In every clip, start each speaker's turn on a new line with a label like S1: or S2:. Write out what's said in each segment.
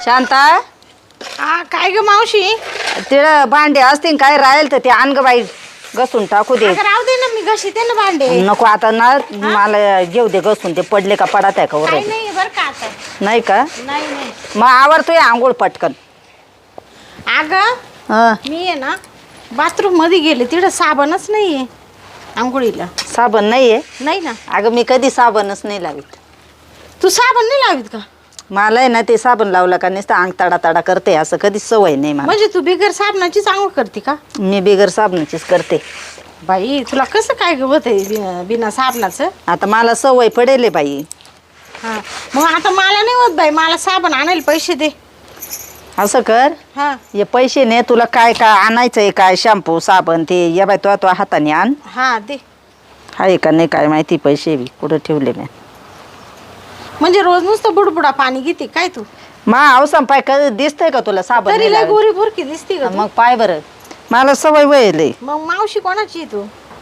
S1: शांता
S2: हा काय ग मावशी?
S1: तिला भांडे असतील काय राहील तर ते आण ग बाई घसून टाकू दे.
S2: अगं राहू दे ना, मी घशीते ना भांडे.
S1: नको आता ना मला घेऊ दे घसून ते पडले का पडत आहे का
S2: काय
S1: वर
S2: नाही बरं का आता.
S1: नाही का
S2: नाही नाही
S1: मग आवरतोय आंघोळ पटकन.
S2: अगं
S1: हा
S2: मी आहे ना बाथरूम मध्ये गेले, तिथं साबणच नाहीये आंघोळीला.
S1: साबण नाहीये?
S2: नाही ना.
S1: अगं मी कधी साबणच नाही लावित.
S2: तू साबण नाही लावीत का?
S1: मला आहे ना ते साबण लावलं का नुसतं अंग तडा तडा करते, असं कधी सवय नाही मला.
S2: म्हणजे तू बिगर साबणाचीच आंघोळ करते का?
S1: मी बिगर साबणाचीच करते.
S2: बाई तुला कसं काय होत आहे बिना साबणाचं?
S1: आता मला सवय पडेल बाई.
S2: हा मग आता मला नाही होत बाई, मला साबण आणायला पैसे दे.
S1: असं कर,
S2: हा
S1: हे पैसे ने तुला काय काय आणायचंय, काय शॅम्पू साबण ते या बाई तो हाताने आण.
S2: हा दे.
S1: आहे का नाही काय माहिती, पैसे बी कुठं ठेवले मी.
S2: म्हणजे रोज नुसतं बुडबुडा पाणी घेते काय तू?
S1: मा अवसम पाय कधी दिसतंय का तुला साबण
S2: तरी
S1: नाही
S2: लय
S1: लावत?
S2: गोरी भुरकी दिसते का तू?
S1: मग पाय बरं मला सवय वयले.
S2: मग मावशी कोणाची आहे तू?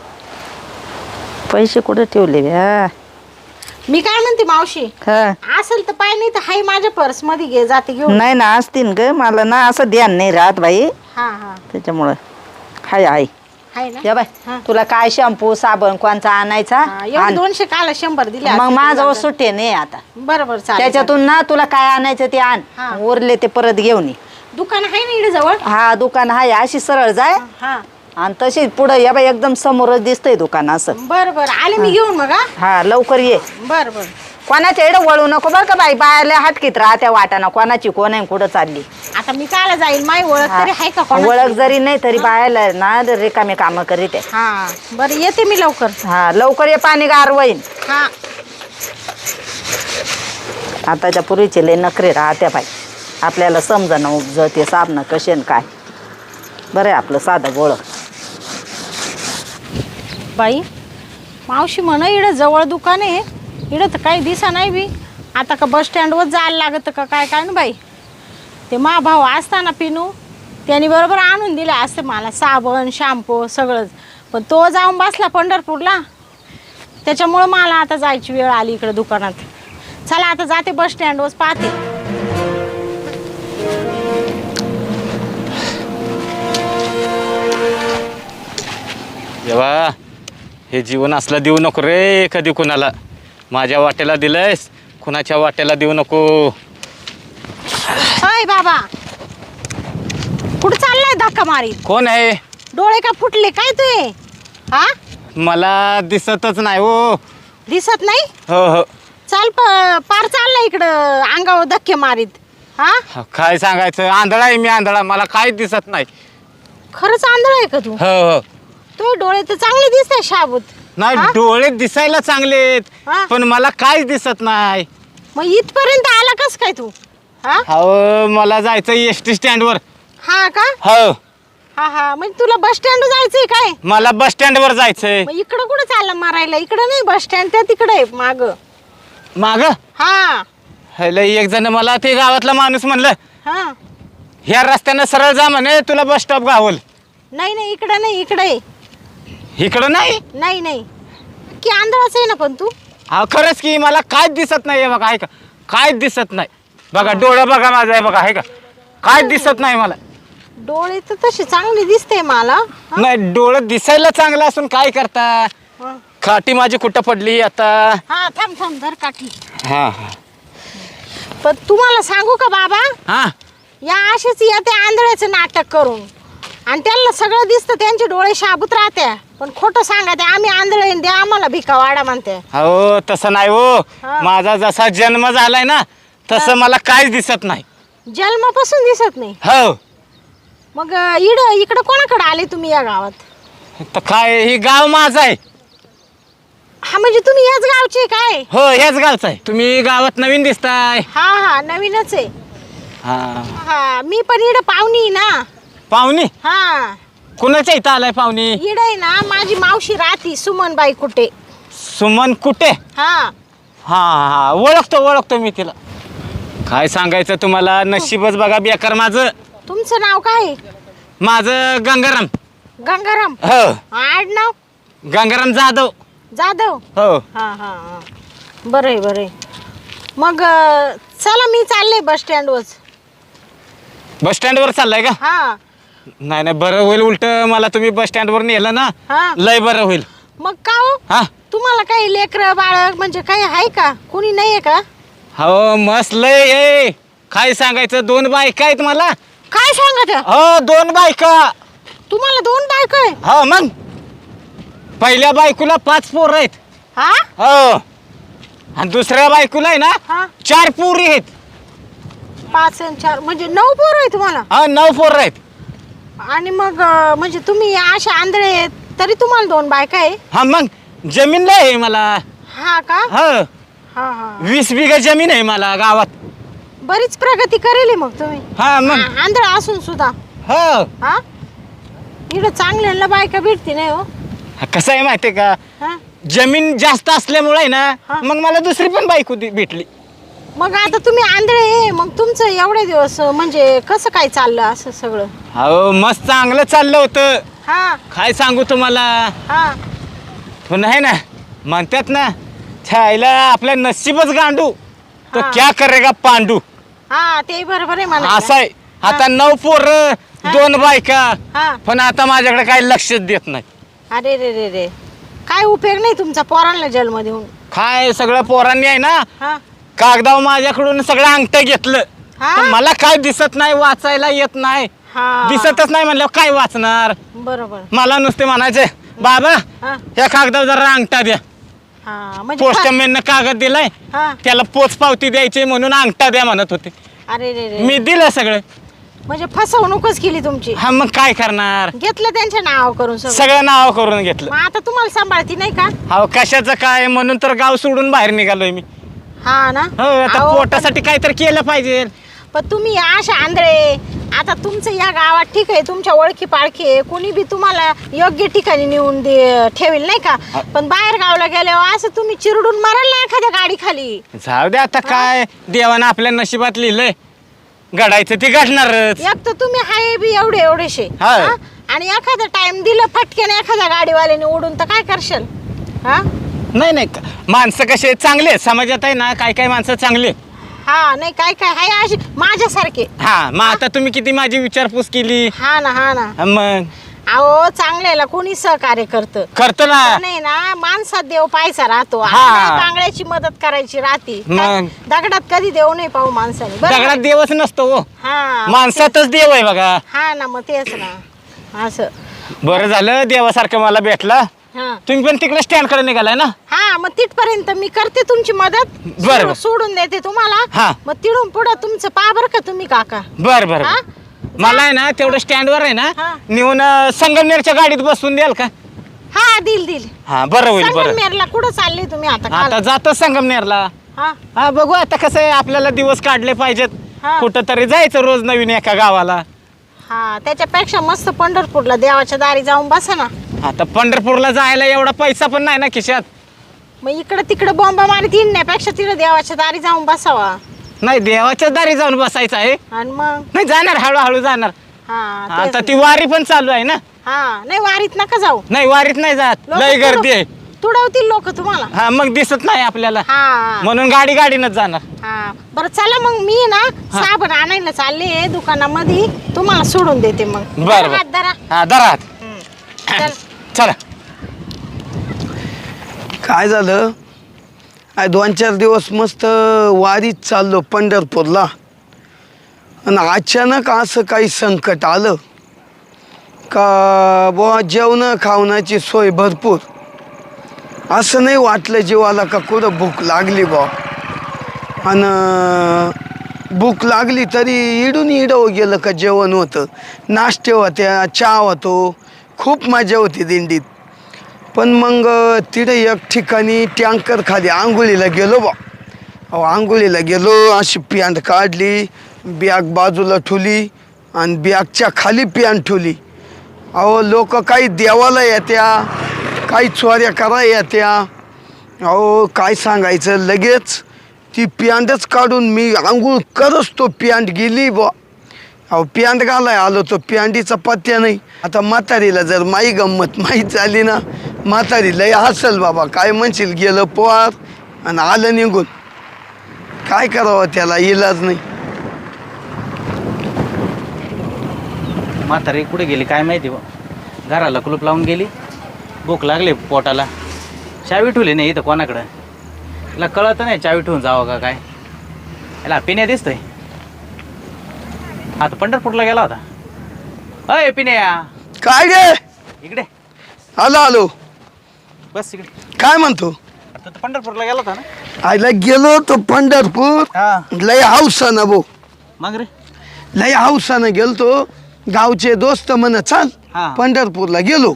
S1: पैसे कुठं ठेवले बे? हा
S2: मी काय म्हणते मावशी,
S1: हा.
S2: असेल तर पाय, नाही तर हाय माझ्या पर्स मध्ये घे, जाते घेऊन.
S1: नाही ना असतील ग, मला ना असं ध्यान नाही राहत बाई,
S2: हा हा
S1: त्याच्यामुळं हाय हाय.
S2: हाय ना.
S1: या बाय
S2: हा.
S1: तुला काय शॅम्पू साबण कोणचा आणायचा
S2: हा, एवढे
S1: आण.
S2: 200 काला 100 दिले
S1: मग
S2: असते
S1: माझं
S2: तुला.
S1: सुट्टे नाही आता.
S2: बरोबर चालेल.
S1: त्याच्यातून ना तुला काय आणायचं ते आण,
S2: हा.
S1: उरले ते परत घेऊन ये.
S2: दुकान आहे ना इकडे जवळ?
S1: हा दुकान हाय, अशी सरळ जाय
S2: हा
S1: आणि तशी पुढं या बाई एकदम समोरच दिसतंय दुकान असं.
S2: बरोबर आले मी घेऊन मग. हा
S1: हा लवकर ये.
S2: बरोबर.
S1: कोणाच्या एवढं वळू नको बरं का बाई, बायाला हटकीत राहत्या वाटाना कोणाची कोण आहे कुठं चालली.
S2: आता मी कायला जाईल, माई ओळख तरी आहे का कोणाची?
S1: ओळख जरी नाही तरी बायाला ना रिकामे काम करीत आहे.
S2: हा बरं येते मी लवकर.
S1: हा लवकर ये, पाणी गार होईन.
S2: हा
S1: आताच्या पूर्वीचे लय नखरे राहत्या बाई, आपल्याला समजा उपज ते साबण कशेन काय. बरं आहे आपलं साधं गोळ.
S2: बाई मावशी म्हणा इकडं जवळ दुकान आहे, इकडं तर काही दिसा नाही बी. आता का बस स्टँडवर जायला लागत का काय काय ना बाई. ते मा भाऊ असताना पिनू त्यांनी बरोबर आणून दिले असते मला साबण शॅम्पू सगळंच, पण तो जाऊन बसला पंढरपूरला, त्याच्यामुळं मला आता जायची वेळ आली इकडं दुकानात. चला आता जाते बस स्टँडवर पाहते.
S3: देवा, हे जीवन असलं देऊ नको रे कधी कुणाला. माझ्या वाट्याला दिलंयस, कुणाच्या वाट्याला देऊ नको.
S2: अय बाबा कुठं चाललाय धक्का मारी?
S3: कोण आहे?
S2: डोळे का फुटले काय तुये? हा
S3: मला दिसतच नाही हो.
S2: दिसत नाही?
S3: हो हो.
S2: चाल पार चाललाय इकडं अंगावर धक्के मारीत. हा
S3: काय सांगायचं, आंधळा आहे मी, आंधळा, मला काय दिसत नाही.
S2: खरंच आंधळ आहे का तू?
S3: हो हो.
S2: तो डोळे तर चांगले दिसते शाबूत.
S3: नाही
S2: हा?
S3: डोळे दिसायला चांगलेत,
S2: हा.
S3: पण मला काहीच दिसत नाही.
S2: मग इथपर्यंत आला कस काय तू? हा
S3: हो मला जायचं एसटी स्टँडवर.
S2: हा का?
S3: हो
S2: हा हा म्हणजे तुला बस स्टँड जायचंय काय?
S3: मला बस स्टँडवर जायचंय.
S2: मग इकडं कुठं चालला मारायला? इकडं नाही बस स्टँड, त्या तिकडे आहे माग.
S3: माग
S2: हा
S3: एक जण मला ते गावातला माणूस म्हणलं,
S2: हा
S3: ह्या रस्त्यानं सरळ जा म्हणे, तुला बस स्टॉप गावल.
S2: नाही नाही इकडं नाही, इकडे
S3: इकडं नाही.
S2: नाही नाही की आंधळाच आहे ना पण तू.
S3: हा खरंच की मला काय दिसत नाही बघा, आहे का काय दिसत नाही बघा, डोळं बघा माझं आहे बघा, आहे का काय दिसत नाही मला.
S2: डोळे तर तसे चांगले दिसते मला. हा?
S3: नाही डोळं दिसायला चांगलं असून काय करता.
S2: हा.
S3: खाटी माझी कुठं पडली आता.
S2: हा थांब थांब धर काठी.
S3: हा
S2: पण तुम्हाला सांगू का बाबा,
S3: हा.
S2: या असेच येते आंधळ्याचं नाटक करून, आणि त्यांना सगळं दिसतं, त्यांचे डोळे शाबूत राहते, पण खोटं सांगा ते आम्ही आंधळे द्या आम्हाला भिका वाडा म्हणते.
S3: हो तसं नाही हो.
S2: हा.
S3: माझा जसा जन्म झालाय ना तसं मला काहीच दिसत नाही.
S2: जन्मापासून दिसत नाही?
S3: हो.
S2: मग इकडं कोणाकडे आले तुम्ही या गावात?
S3: तर काय हे गाव माझं आहे.
S2: हा म्हणजे तुम्ही याच गावचे काय?
S3: हो ह्याच गावचं आहे. तुम्ही गावात नवीन दिसताय.
S2: हा हा नवीनच आहे.
S3: हा.
S2: हा मी पण इकडं पाहुणी ना.
S3: पाहुणी
S2: हा
S3: कुणाच्या इथं आलाय पाहुणी?
S2: इकडं आहे ना माझी मावशी राहती सुमनबाई कुठे.
S3: सुमन कुठे?
S2: हा
S3: हा हा ओळखतो मी तिला. काय सांगायचं तुम्हाला, नशीबच बघा बेकार माझं.
S2: तुमचं नाव काय?
S3: माझं गंगाराम.
S2: गंगाराम?
S3: हो
S2: आडनाव?
S3: गंगाराम जाधव.
S2: जाधव?
S3: हो.
S2: हा हा हा बरं आहे बरं आहे. मग चला मी चालले बस स्टँडवर.
S3: बस स्टँडवर चाललाय का?
S2: हा
S3: नाही नाही, बरं होईल. उलट मला तुम्ही बस स्टँडवर नेलं ना,
S2: हा.
S3: लय बरं होईल.
S2: मग का हो
S3: हा
S2: तुम्हाला काही लेकरं बाळक म्हणजे काही आहे का? कोणी नाहीये का?
S3: हो मस्त लय आहे. काय सांगायचं, 2 बायका आहेत मला.
S2: काय सांगत
S3: हो 2 बायका.
S2: तुम्हाला 2 बायका आहे?
S3: हो मग पहिल्या बायकोला 5 पोरं आहेत.
S2: हा
S3: हो आणि दुसऱ्या बायकोला आहे ना
S2: हा
S3: 4 पोरी आहेत.
S2: 5 आणि 4 म्हणजे 9 पोरं आहे तुम्हाला?
S3: हा 9 पोरं आहेत.
S2: आणि मग म्हणजे तुम्ही अशा आंधळे आहेत तरी तुम्हाला 2 बायका आहे?
S3: हा मग जमीन लय आहे मला.
S2: हा का?
S3: हो
S2: हा हा
S3: 20 बिघा जमीन आहे मला गावात.
S2: बरीच प्रगती करेल मग तुम्ही.
S3: हा मग
S2: आंधळा असून सुद्धा.
S3: हो
S2: हा इकडं चांगल्याला बायका भेटते नाही हो.
S3: कसं आहे माहितीये का,
S2: हा
S3: जमीन जास्त असल्यामुळे आहे ना
S2: हा.
S3: मग मला दुसरी पण बायको भेटली.
S2: मग आता तुम्ही आंधळे आहे, मग तुमचं एवढे दिवस म्हणजे कसं काय चाललं असं सगळं?
S3: हो मस्त चांगलं चाललं होतं.
S2: हा
S3: काय सांगू तुम्हाला,
S2: हा
S3: पण आहे ना म्हणतात ना छायला आपल्या नशीबच गांडू तर
S2: हा.
S3: क्या करेगा पांडू.
S2: हा ते बरोबर आहे मला.
S3: असं आहे. आता 9 पोरं 2 बायका,
S2: हा
S3: पण आता माझ्याकडे काही लक्षच देत नाही.
S2: अरे रे रे रे काय उपयोग नाही तुमचा पोरांना जन्म देऊन.
S3: काय सगळं पोरांनी आहे ना
S2: हा
S3: कागदाव माझ्याकडून सगळं अंगठं घेतलं.
S2: हा?
S3: पण मला काय दिसत नाही, वाचायला येत नाही.
S2: हा
S3: दिसतच नाही म्हणल्यावर काय वाचणार.
S2: बरोबर.
S3: मला नुसते म्हणायचे बाबा
S2: हा
S3: या कागदावर जरा अंगठा द्या.
S2: हा म्हणजे
S3: पोस्टमॅननं कागद दिलाय,
S2: हा
S3: त्याला पोच पावती द्यायची म्हणून अंगठा द्या म्हणत होते.
S2: अरे रे रे
S3: मी दिलं सगळं.
S2: म्हणजे फसवणूकच केली तुमची.
S3: हा मग काय करणार,
S2: घेतलं त्यांच्या नाव करून सगळं.
S3: सगळं नाव करून घेतलं.
S2: मग आता तुम्हाला सांभाळती नाही का?
S3: हो कशाचं काय, म्हणून तर गाव सोडून बाहेर निघालोय मी.
S2: हा ना.
S3: हो आता
S2: अहो,
S3: पोटासाठी काहीतरी केलं पाहिजे.
S2: पण तुम्ही अशा आंधळे, आता तुमचं या गावात ठीक आहे, तुमच्या ओळखी पाळखी आहे, कोणी बी तुम्हाला योग्य ठिकाणी नेऊन ठेवेल नाही का? पण बाहेर गावला गेल्यावर असं तुम्ही चिरडून माराल ना एखाद्या गाडी खाली.
S3: जाऊ दे आता, काय देवानं आपल्या नशिबात लिहिलंय, घडायचं ते घडणारच.
S2: एक तर तुम्ही हाय बी एवढेशे
S3: हा.
S2: हा? आणि एखादा टाइम दिलं फटक्याने एखाद्या गाडीवाल्याने उडून तर काय करशाल? हा
S3: नाही नाही, माणसं कसे चांगले आहेत समाजात आहे ना, काय काय माणसं चांगले आहेत.
S2: हा नाही काय काय हाय अशी माझ्यासारखे.
S3: हा मग आता तुम्ही किती माझी विचारपूस केली.
S2: हा ना हा ना.
S3: मग
S2: अहो चांगल्याला कोणी सहकार्य करतं.
S3: करतो ना.
S2: नाही ना, माणसात देव पाहायचा राहतो.
S3: हा.
S2: बांगड्याची मदत करायची राहते.
S3: मग?
S2: दगडात कधी देव नाही पाहू माणसाने. बरोबर?
S3: दगडात देवच नसतो हो,
S2: हा
S3: माणसातच देव आहे बघा.
S2: हा ना मग तेच ना असं.
S3: बरं झालं देवासारखं मला भेटला.
S2: हा
S3: तुम्ही पण तिकडे स्टँड कडे निघालाय ना.
S2: हा मग तिथपर्यंत मी करते तुमची मदत.
S3: बरं.
S2: सोडून देते तुम्हाला.
S3: हा.
S2: मग तिडून पुढं तुमचं पहा बरं का तुम्ही काका.
S3: बर बर
S2: हा?
S3: मला आहे ना तेवढं स्टँडवर आहे ना
S2: हा.
S3: नेऊन संगमनेरच्या गाडीत बसून द्याल का?
S2: हा दिल
S3: हा बरं होईल. बरं
S2: संगमनेरला कुठं चालले तुम्ही आता?
S3: आता जातो संगमनेरला.
S2: हा
S3: हा बघू आता कसं आहे, आपल्याला दिवस काढले पाहिजेत.
S2: हा.
S3: कुठं तरी जायचं रोज नवीन एका गावाला.
S2: हा त्याच्यापेक्षा मस्त पंढरपूरला देवाच्या दारी जाऊन बसा ना.
S3: आता पंढरपूरला जायला एवढा पैसा पण नाही ना खिशात.
S2: मग इकडं तिकडं बॉम्बा मारीत येण्यापेक्षा तिकडे देवाच्या दारी जाऊन बसावा.
S3: नाही देवाच्या दारी जाऊन बसायचं आहे.
S2: आणि मग
S3: नाही जाणार, हळूहळू जाणार.
S2: हा
S3: आता
S2: तेच
S3: ती
S2: ना.
S3: वारी पण चालू आहे ना.
S2: हा नाही वारीत नका जाऊ.
S3: नाही वारीत नाही जात,
S2: लोकं
S3: लय गर्दी आहे.
S2: तुडवतील लोक तुम्हाला.
S3: हा मग दिसत नाही आपल्याला,
S2: हा
S3: म्हणून गाडीनच जाणार.
S2: हा बरं चला मग मी ना साबण आणायला चालले दुकानामध्ये, तुम्हाला सोडून देते मग.
S3: बरं
S2: हात धरा.
S3: हा दरात
S2: चल.
S3: चला.
S4: काय झालं, 2-4 दिवस मस्त वारीत चाललो पंढरपूरला, आणि अचानक असं काही संकट आलं का बुवा जेवण खावण्याची सोय भरपूर. असं नाही वाटलं जीवाला का कुठं भूक लागली बुवा, आणि भूक लागली तरी इडून गेलं का जेवण होतं, नाश्ते होत्या, चहा होतो, खूप मजा होती दिंडीत. पण मग तिथे एक ठिकाणी टँकर खाली आंघोळीला गेलो बा. अहो आंघोळीला गेलो, अशी पॅन्ट काढली, बॅग बाजूला ठेवली आणि बॅगच्या खाली पॅन्ट ठेवली. अहो लोक काही देवाला येत्या, काही चोऱ्या करा येत्या. अहो काय सांगायचं, लगेच ती पॅन्टच काढून मी आंघोळ करच तो पॅन्ट गेली बा. अहो पॅन्ट घालाय आलो तो पॅन्टीचा पत्त्या नाही. आता म्हातारीला जर माई गंमत माहीत झाली ना, म्हातारी लय हसल बाबा, काय म्हणशील गेलं पोहार आणि आलं निघून. काय करावं त्याला इलाज नाही.
S3: म्हातारी कुठे गेली काय माहिती बा. घराला कुलूप लावून गेली. भूक लागली पोटाला. चावी ठेवली नाही इथं कोणाकडं. तिला कळत नाही चावी ठेवून जावं का काय. याला पिण्या दिसतोय. आता पंढरपूरला गेला होता. अय पिण्या
S4: काय गे
S3: इकडे
S4: आलो आलो.
S3: बस इकडे.
S4: काय म्हणतो?
S3: आता तू पंढरपूरला गेला होता ना.
S4: आईला गेलो तो पंढरपूर.
S3: हा
S4: लय हौसानं भाऊ,
S3: मग रे.
S4: लय हौसानं गेलतो. गावचे दोस्त म्हण चाल
S3: हा.
S4: पंढरपूरला गेलो.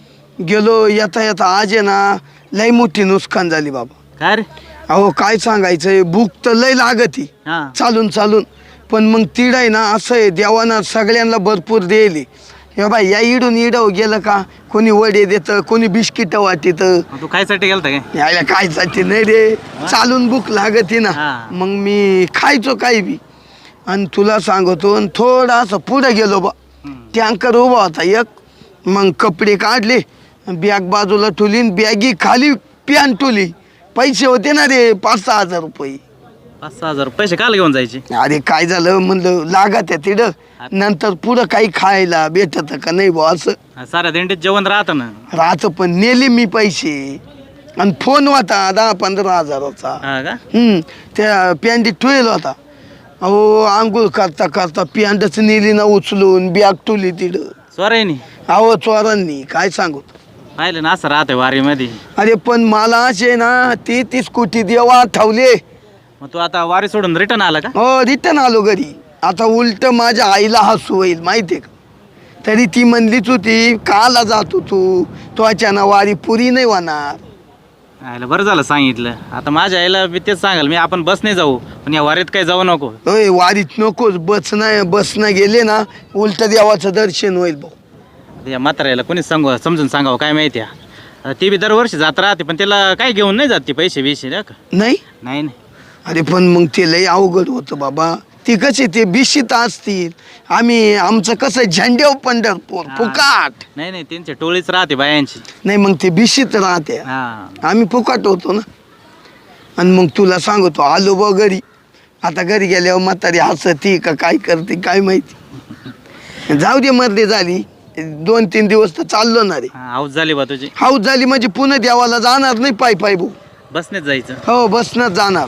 S4: गेलो येता येता आज आहे ना लय मोठी नुकसान झाली बाबा.
S3: काय रे.
S4: अहो काय सांगायचंय, भूक तर लय लागती
S3: हा
S4: चालून चालून. पण मग तीड आहे ना असं आहे, देवानं सगळ्यांना भरपूर दिली. हे बाई या इडून इडव गेलं का कोणी वडे देतं, कोणी बिस्किट वाटीत.
S3: मग तू खायसाठी गेलता काय.
S4: यायला काय साठी नाही रे, चालून भूक लागती ना.
S3: हा.
S4: मग मी खायचो काही बी. आणि तुला सांगतो थोडासा पुढे गेलो बा. टँकर उभा होता एक. मग कपडे काढले, बॅग बाजूला ठेवली, बॅगी खाली पॅन ठेवली. पैसे होते ना रे 5-6 हजार रुपये.
S3: 5-6 हजार पैसे काल घेऊन जायचे.
S4: अरे काय झालं म्हणलं लागत आहे तिथं, नंतर पुढं काही खायला भेटत का नाही बा असं
S3: साऱ्या दिंडीत जेवण राहतं ना.
S4: राहत. पण नेले मी पैसे. आणि फोन होता 10-15 हजाराचा.
S3: हा का.
S4: त्या पॅन्टीत ठेवल होता. अहो आंघोळ करता करता पॅन्टच नेली ना उचलून, बॅग ठेवली तिथं.
S3: स्वरायनी
S4: अहो चोरांनी काय सांगू.
S3: पाहिलं ना असं राहतंय वारीमध्ये.
S4: अरे पण मला असे ना ती स्कूटी देवा ठेवले.
S3: मग तू आता वारी सोडून रिटर्न आला का.
S4: हो रिटर्न आलो घरी. आता उलट माझ्या आईला हसू होईल माहितीये का. तरी ती म्हणलीच होती काला जातो तू अचानक वारी पुरी नाही होणार.
S3: आयला बरं झालं सांगितलं. आता माझ्या आईला मी तेच सांगाल मी आपण बसने जाऊ, पण या वारीत काही जाऊ नको.
S4: होय वारीत नकोच. बसनं गेले ना उलट देवाचं दर्शन होईल भाऊ.
S3: या म्हाताऱ्याला कोणीच समजून सांगावं काय माहिती आहे. ती बी दरवर्षी जात राहते, पण त्याला काय घेऊन नाही जात ती पैसे बिशे नाही का.
S4: नाही.
S3: नाही.
S4: अरे पण मग ते लय अवघड होतं बाबा. ती कशी ते बिशीत असतील. आमचं कसं झेंड्याव पंढरपूर फुकाट.
S3: नाही त्यांची टोळीच राहते बायांची.
S4: नाही मग ते बिशीत राहते.
S3: हा
S4: आम्ही फुकाट होतो ना. आणि मग तुला सांगतो आलो बा घरी. आता घरी गेल्यावर म्हातारी हसती का काय करते काय माहिती. जाऊ दे मर्दी झाली. 2-3 दिवस तर चाललो ना रे.
S3: हाऊस झाली बा तुझी.
S4: हाऊस झाली म्हणजे पुन्हा देवाला जाणार नाही पायी भाऊ.
S3: बसनेच जायचं.
S4: हो बसनंच जाणार.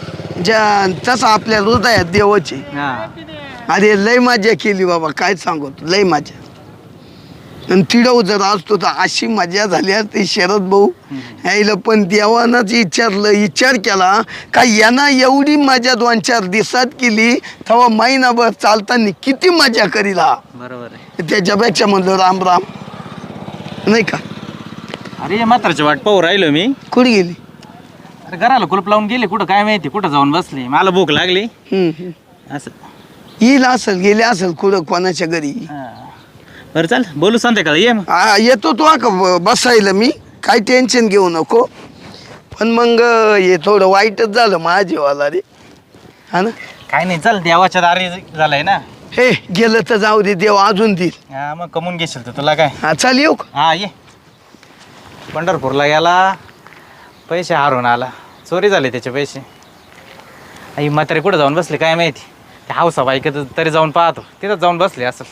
S4: तसं आपल्या हृदयात देवाचे.
S3: हा
S4: अरे लय मजा केली बाबा काय सांगू लय मजा. आणि तिडव जर असतो तर अशी मजा झाली ते शरद भाऊ. यायला पण देवानंच विचार केला का यांना एवढी मजा 2-4 दिवसात केली तेव्हा महिनाभर चालताना किती मजा करील हा.
S3: बरोबर आहे.
S4: त्याच्यापेक्षा म्हणलं राम राम नाही का.
S3: अरे या म्हाताऱ्याची वाट पाहू राहिलो मी.
S4: कुठे गेली.
S3: अरे घराला कुलूप लावून गेले कुठं काय माहिती. कुठं जाऊन बसले. मला भूक लागली असं.
S4: येईल असेल गेले असेल कुठं कोणाच्या घरी.
S3: बरं चाल बोलू संध्याकाळी ये मग.
S4: येतो तू का बसायला मी काही टेन्शन घेऊ नको. पण मग हे थोडं वाईटच झालं माझीवाला रे. हा ना.
S3: काय नाही चल देवाच्या दारी झालाय ना.
S4: हे गेलं तर जाऊ दे देव अजून देईल.
S3: हा मग कमवून घेशील तर तुला काय.
S4: हा चाल येऊ का.
S3: हा ये. पंढरपूरला गेला पैसे हारून आला. चोरी झाले त्याचे पैसे. आई म्हातारे कुठं जाऊन बसले काय माहिती. त्या हावसा बाईक तरी जाऊन पाहतो. तिथं जाऊन बसले असेल.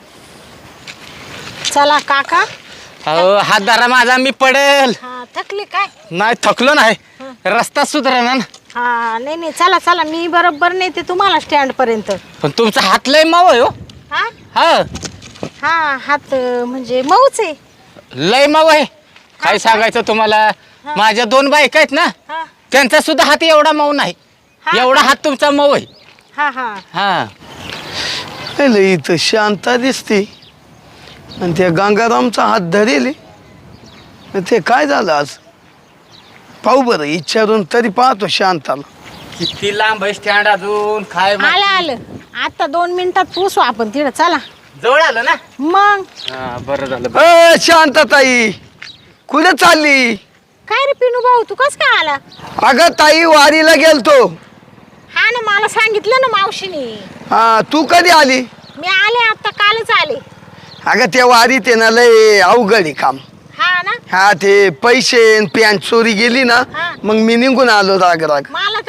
S2: चला काका.
S3: अहो हात धरा माझा मी पडेल.
S2: हा थकली काय.
S3: नाही थकलो नाही. रस्ता सुधारा ना.
S2: हा नाही चला चला मी बरोबर नेते तुम्हाला स्टँड पर्यंत.
S3: पण तुमचा हात लय माव आहे हो.
S2: हा
S3: हा
S2: हा हात म्हणजे मऊच आहे.
S3: लय माव आहे. काय सांगायचं तुम्हाला. माझ्या 2 बायका आहेत ना
S2: हा
S3: त्यांचा सुद्धा हात एवढा मऊ नाही. एवढा हात तुमचा मऊ आहे.
S2: हा हा
S3: हा
S4: इथं शांता दिसते. आणि त्या गंगारामचा हात धरेल. ते काय झालं आज पाहू बरं विचारून तरी पाहतो शांताला.
S3: किती लांब आहे स्टँड अजून काय
S2: आलं आलं. आता 2 मिनिटात पोचू आपण तिकडे. चला
S3: जवळ आलं ना.
S2: मग
S3: बरं झालं.
S4: शांताताई कुठे चालली.
S2: काय रे पिनू भाऊ तू कस काय आला.
S4: अगं ताई वारीला गेलतो.
S2: हा ना मला सांगितलं ना मावशीने.
S4: हा तू कधी आली.
S2: मी आले आता कालच आले.
S4: अगं त्या वारीत आहे ना लय अवघड आहे काम.
S2: हा ना.
S4: हा ते पैसे पॅन्ट चोरी गेली ना
S2: हा.
S4: मग मी निघून आलो राग राग.
S2: मला तर आता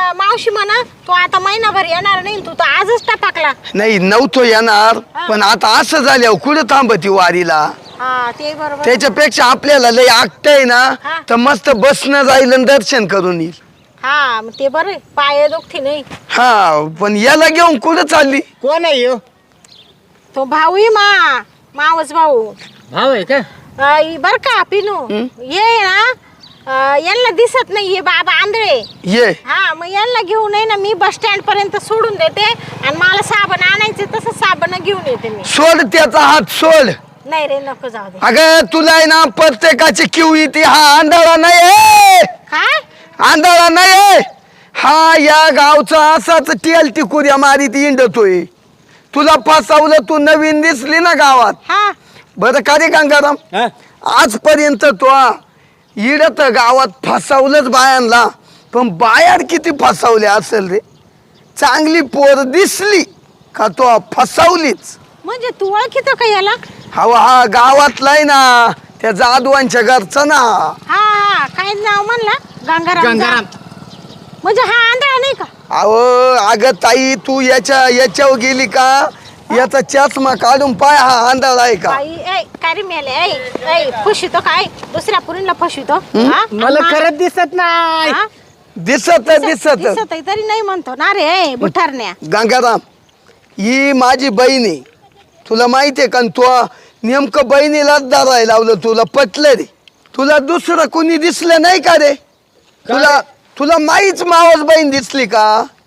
S2: मावशी म्हणा तो आता महिनाभर येणार नाही, तू तर आजच टाकला.
S4: नाही नव्हतो येणार, पण आता असं झाल्यावर कुठं थांबती वारीला.
S2: हा ते बरोबर.
S4: त्याच्यापेक्षा आपल्याला लय आगतंय ना,
S2: हा.
S4: तर मस्त बसणं जाईल आणि दर्शन करून येईल.
S2: हा मग ते बरं पाय दुखती नाही.
S4: हा पण याला घेऊन कुठं चालली?
S5: कोण आहे ह्यो?
S2: तो भाऊ आहे मावस भाऊ.
S5: भाव आहे का?
S2: बर का पिनू ये ना, यांना दिसत नाही हे बाबा आंधळे.
S4: ये
S2: हा मग यांना घेऊन ये ना, मी बस स्टँड पर्यंत सोडून देते आणि मला साबण आणायचे तसं साबण घेऊन येते मी.
S4: सोड त्याचा हात सोड.
S2: नाही रे नको जाऊ दे.
S4: अगं तुला आहे ना प्रत्येकाची किव येते, हा आंधळा नाही.
S2: काय
S4: आंधळा नाही, हा या गावचा असाच टेल टिकुऱ्या मारीत इंडतोय. तुला फसवलं, तू नवीन दिसली ना गावात.
S2: हा
S4: बरं का रे गंगाराम,
S5: हा?
S4: आजपर्यंत तो इडत गावात फसवलंच बायांना, पण बायार किती फसवले असेल रे. चांगली पोर दिसली का तो फसवलीच.
S2: म्हणजे तू ओळखीतो का याला?
S4: हा गावातला आहे ना, त्या जाधवांच्या घरचा ना.
S2: हा हा काय नाव म्हणला? गंगाराम.
S5: गंगाराम.
S2: म्हणजे हा आंधळा नाही का?
S4: अहो अगं ताई, तू याच्यावर गेली का? याचा चष्मा काढून पाय, हा आंधळा आहे का?
S2: बाई ऐ काय रे मेले ऐ फुशितो काय दुसऱ्या पुरीला फुशितो? हा?
S5: मला
S2: आणि
S5: खरंच दिसत नाही.
S2: हा?
S4: दिसत
S2: दिसत आहे तरी नाही म्हणतो ना रे ऐ बुठारण्या.
S4: गंगाराम, ही माझी बहीण आहे, तुला माहिती आहे का? तू नेमकं बहिणीलाच धरायला लावलं, तुला पटलं रे. तुला दुसरं कोणी दिसलं नाही का रे? तुला माहीच मावस बहीण दिसली का?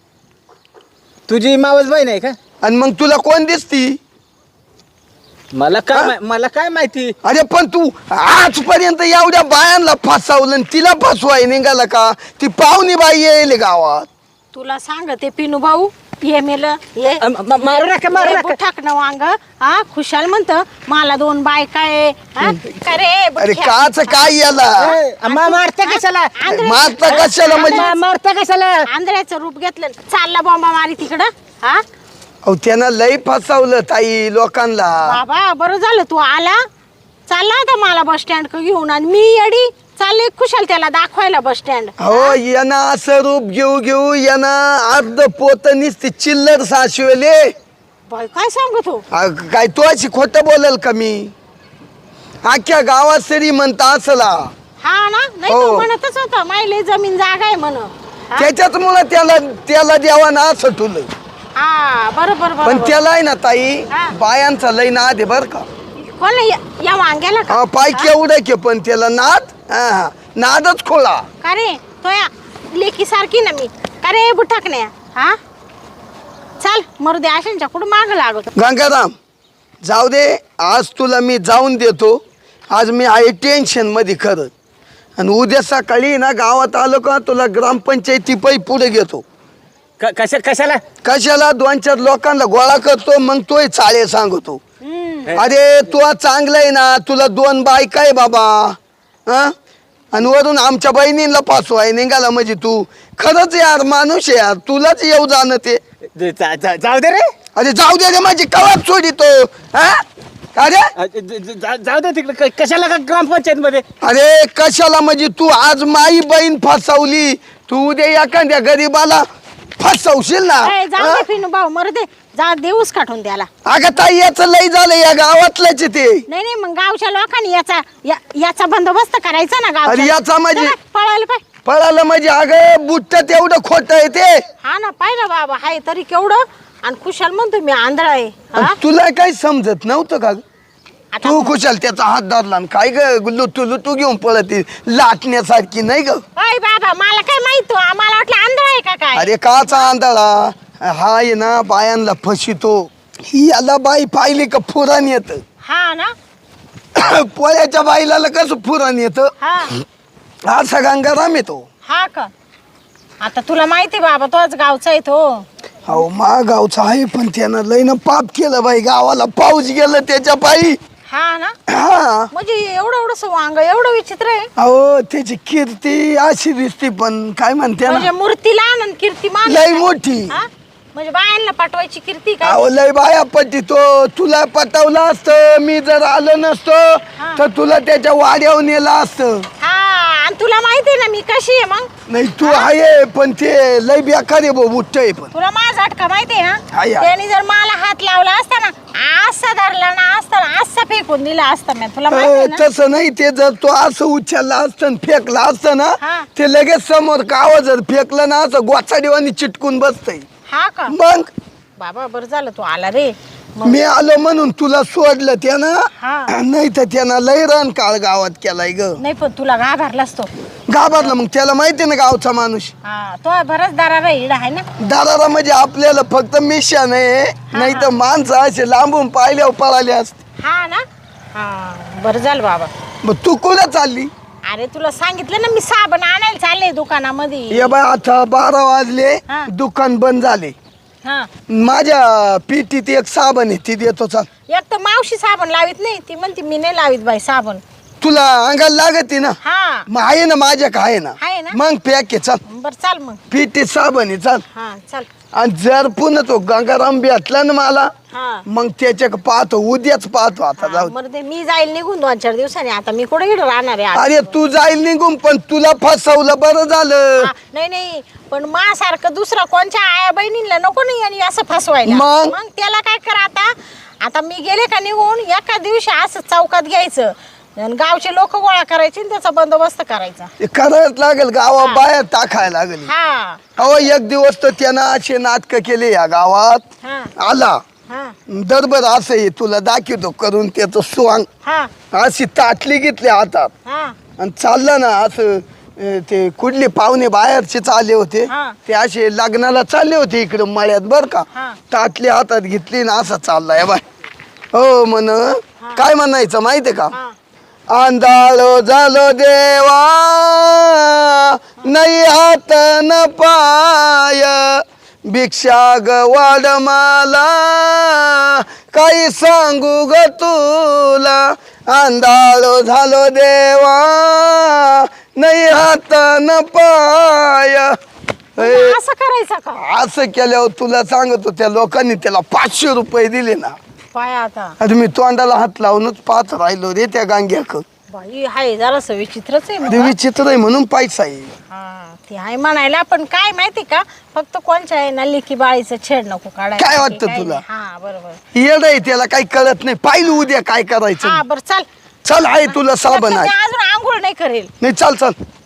S5: तुझी मावस बहीण आहे का?
S4: आणि मग तुला कोण दिसती?
S5: मला
S4: हा?
S5: काय मला काय माहिती.
S4: अरे पण तू आजपर्यंत एवढ्या बायांना फसवलं आणि तिला फसवाय निघाला का? ती पाहुणी बाई येईल गावात.
S2: तुला सांगते पिनू भाऊ ये मेलं ये
S5: मारू नका मारू नका.
S2: बुठाकणं वांग. हा खुशाल म्हणत मला 2 बायका आहे. हा? काय रे
S4: अरे
S2: बुठ्या?
S4: काच काय याला
S5: मारता कशाला?
S4: मारता कशाला म्हणजे?
S5: मारता कशाला?
S2: आंधळ्याचं रूप घेतलं चालला बॉम्बा मारी तिकडं. हा
S4: अहो त्यानं लई फसवलं ताई लोकांना.
S2: बाबा बरं झालं तू आला. चालला होता मला बस स्टँड घेऊन आणि मी येडी चालले खुशाल त्याला दाखवायला बस स्टँड.
S4: हो यांना असं रूप घेऊ यांना अर्ध पोत निसते चिल्लर साशवेले.
S2: बाई काय सांगतो?
S4: काय तू अशी खोटं बोलल का मी? अख्ख्या गावात सरी म्हणता असला.
S2: हा ना नाही
S4: हो.
S2: तो म्हणतच होता मायले जमीन जागा आहे म्हण.
S4: त्याच्यात मुळे त्याला द्यावा ना असं ठुलं.
S2: हा बरोबर
S4: पण
S2: बरोबर.
S4: त्याला आहे ना ताई
S2: हा.
S4: बायांचा लई नाद आहे बर का.
S2: कोण या वांग्याला का?
S4: हा पाय केवढं के पण त्याला नाद, हा नादच खोळा.
S2: का रे तो या लेकी सारखी ना मी. का रे बुठाकण्या? हा चाल मरू दे आशांच्या कुठं माग लागतो.
S4: गंगाराम जाऊ दे, आज तुला मी जाऊन देतो. आज मी आहे टेन्शन मध्ये खरं. आणि उद्या सकाळी ना गावात आलो का तुला ग्रामपंचायती पै पुढे घेतो.
S5: कशाला?
S4: कशाला? 2-4 लोकांना गोळा करतो, मग तोय चाळे सांगतो. अरे तू चांगलं आहे ना, तुला 2 बायका आहे बाबा. हा आणि वरून आमच्या बहिणींना फसवाय निघाला म्हणजे तू खरंच यार माणूस आहे यार. तुलाच येऊ जाणं ते.
S5: जाऊ दे रे.
S4: अरे जाऊ दे रे, माझी कवाब सोडितो. हा अरे
S5: जाऊ दे तिकडे. कशाला का ग्रामपंचायत मध्ये?
S4: अरे कशाला म्हणजे तू आज माई बहीण फसवली, तू उद्या एखाद्या गरीबाला फसवशील ना.
S2: ए, जाऊ दे पिनू भाऊ मरू दे. जा देऊस काढून द्याला.
S4: अगं ताई याचं लई झालं या गावातलंच ते.
S2: नाही नाही मग गावच्या लोकांनी याचा बंदोबस्त करायचा ना गाव.
S4: अरे याचा म्हणजे
S2: पळायला पाय.
S4: पळालं म्हणजे अगं बुट्ट तेवढं खोट आहे ते.
S2: हा ना पाहिलं बाबा हाय तरी केवढं. आणि खुशाल म्हणतो मी आंधळा आहे. हा?
S4: तुला काही समजत नव्हतं का ग?
S2: आता
S4: तू खुशाल त्याचा हात धरला आणि काय ग लुटू घेऊन पळती लाटण्यासारखी नाही ग.
S2: ओय बाबा मला काय माहित आम्हाला वाटलं आंधळा आहे का काय.
S4: अरे काचा आंधळा हा आहे ना, बायांना फसितो. ही याला बाई पाहिली का फुरान येत.
S2: हा ना
S4: पोळ्याच्या बाईला कसं फुरान येत,
S2: हा
S4: असा गंगाराम येतो.
S2: हा का? आता तुला माहिती बाबा तोच गावचा आहे तो.
S4: अहो मा गावचा आहे, पण त्यानं लय ना पाप केलं बाई. गावाला पाऊस गेलं त्याच्या पायी.
S2: हा ना
S4: हा
S2: म्हणजे एवढं वांग एवढं विचित्र आहे.
S4: अहो त्याची कीर्ती अशी दिसती, पण काय म्हणते
S2: म्हणजे
S4: ना
S2: मूर्ती लहान आणि कीर्ती मान.
S4: लय मोठी.
S2: हा? म्हणजे बायांना पाठवायची कीर्ती काय?
S4: अहो लय बाया पटितो. तुला पटवलं असतं, मी जर आलो नसतो तर तुला त्याच्या वाड्यावर नेलं असतं.
S2: हा आणि तुला माहिती आहे ना मी कशी आहे मग.
S4: नाही तू आहे पण ते लय बेकार आहे भाऊ उठ्ट आहे पण
S2: तुला माझा झटका माहिती आहे
S4: आहे,
S2: ना.
S4: आहे.
S2: त्यांनी जर मला हात लावला असता ना असा धरला ना असता ना असा फेकून दिला असता मी. तुला माहिती आहे ना.
S4: तसं नाही ते जर तो असं उचलला असतं फेकला असतं ना
S2: हा.
S4: ते लगेच समोर गावा जर फेकलं ना असं गोचाडीवानी चिटकून बसतंय
S2: हा का
S4: मग
S2: बाबा बरं झालं तू आला रे.
S4: मी आलो म्हणून तुला सोडलं त्यानं
S2: हा.
S4: नाही तर त्यानं लय रण काळ गावात केलाय ग
S2: नाही पण तुला घाबरलास तो.
S4: घाबरला मग त्याला माहिती ना गावचा माणूस
S2: हा तो बराच दारा इडा आहे ना.
S4: दाराला म्हणजे आपल्याला फक्त मिशा नाही नाही तर माणसं असे लांबून पाहिल्यावर पळाले असते.
S2: हा ना. हा बरं झालं बाबा.
S4: मग तू कुठं चालली
S2: अरे तुला सांगितलं ना मी साबण आणायला चालले दुकानामध्ये.
S4: ये बाय आता 12 वाजले
S2: हा.
S4: दुकान बंद झाले
S2: हा
S4: माझ्या पिटीत एक साबण आहे ती देतो चाल
S2: एक तर मावशी साबण लावित नाही ती म्हणते मी नाही लावित बाई साबण.
S4: तुला अंगाला लागते ना
S2: हा
S4: मग आहे ना माझ्या आहे ना
S2: आहे ना.
S4: मग पॅक आहे चाल
S2: बर चाल मग.
S4: पिटीत साबण आहे चाल
S2: हा चाल.
S4: आणि जर पुन्हा तो गंगाराम भेटला ना मला
S2: हा
S4: मग त्याच्या पाहतो उद्याच पाहतो आता जाऊ दे.
S2: बरं ते मी जाईल निघून 2-4 दिवसांनी. आता मी कुठे इकडे राहणार आहे आज?
S4: अरे तू जाईल निघून पण तुला फसवलं बरं झालं
S2: हा, नाही नाही पण सारखं दुसरा कोणच्या आया बहिणीला नको नाही आणि असं फसवायला.
S4: मग?
S2: मग त्याला काय करा आता. आता मी गेले का निघून एका दिवशी असं चौकात घ्यायचं आणि गावचे लोक गोळा करायचे आणि त्याचा बंदोबस्त करायचा.
S4: ते करायच लागेल गावा बाहेर टाकायला लागेल
S2: हा
S4: अहो एक दिवस तर त्यानं असे नाटक केले या गावात
S2: हा
S4: आला
S2: हा
S4: दरबर असं आहे तुला दाखवतो करून त्याचं स्वांग
S2: हा
S4: अशी ताटली घेतली हातात
S2: हा
S4: आणि चाललं ना असं ते कुठले पाहुणे बाहेरचेच आले होते
S2: हा.
S4: ते असे लग्नाला चालले होते इकडे मळ्यात बर का
S2: हा.
S4: ताटली हातात घेतली ना असं चाललाय बाय हो म्हण काय म्हणायचं माहितीये का
S2: हा.
S4: आंधळो झालो देवा नाही हात न पाय भिक्षा ग वाढ मला काही सांगू ग तुला आंधळो झालो देवा नाही हात न पाय
S2: मग असं करायचं का
S4: असं केल्यावर तुला सांगतो त्या लोकांनी त्याला 500 रुपये दिले ना
S2: पाय आता.
S4: आता मी तोंडाला हात लावूनच पाहत राहिलो रे त्या गांग्याक
S2: बाई हाय जरासं विचित्रच आहे मग.
S4: ते विचित्र आहे म्हणून पैसा आहे
S2: हा ते आहे म्हणायला पण काय माहिती का फक्त कोणच्या आहे ना लेकी बाळीचं छेड नको काढायला.
S4: काय वाटतं
S2: काही
S4: तुला?
S2: नाही. हा बरोबर.
S4: येड आहे त्याला काही कळत नाही पाहिलं उद्या काय करायचं
S2: हा बरं चाल.
S4: चल आहे तुला साबण आहे
S2: अजून आंघोळ नाही करेल.
S4: नाही चाल चाल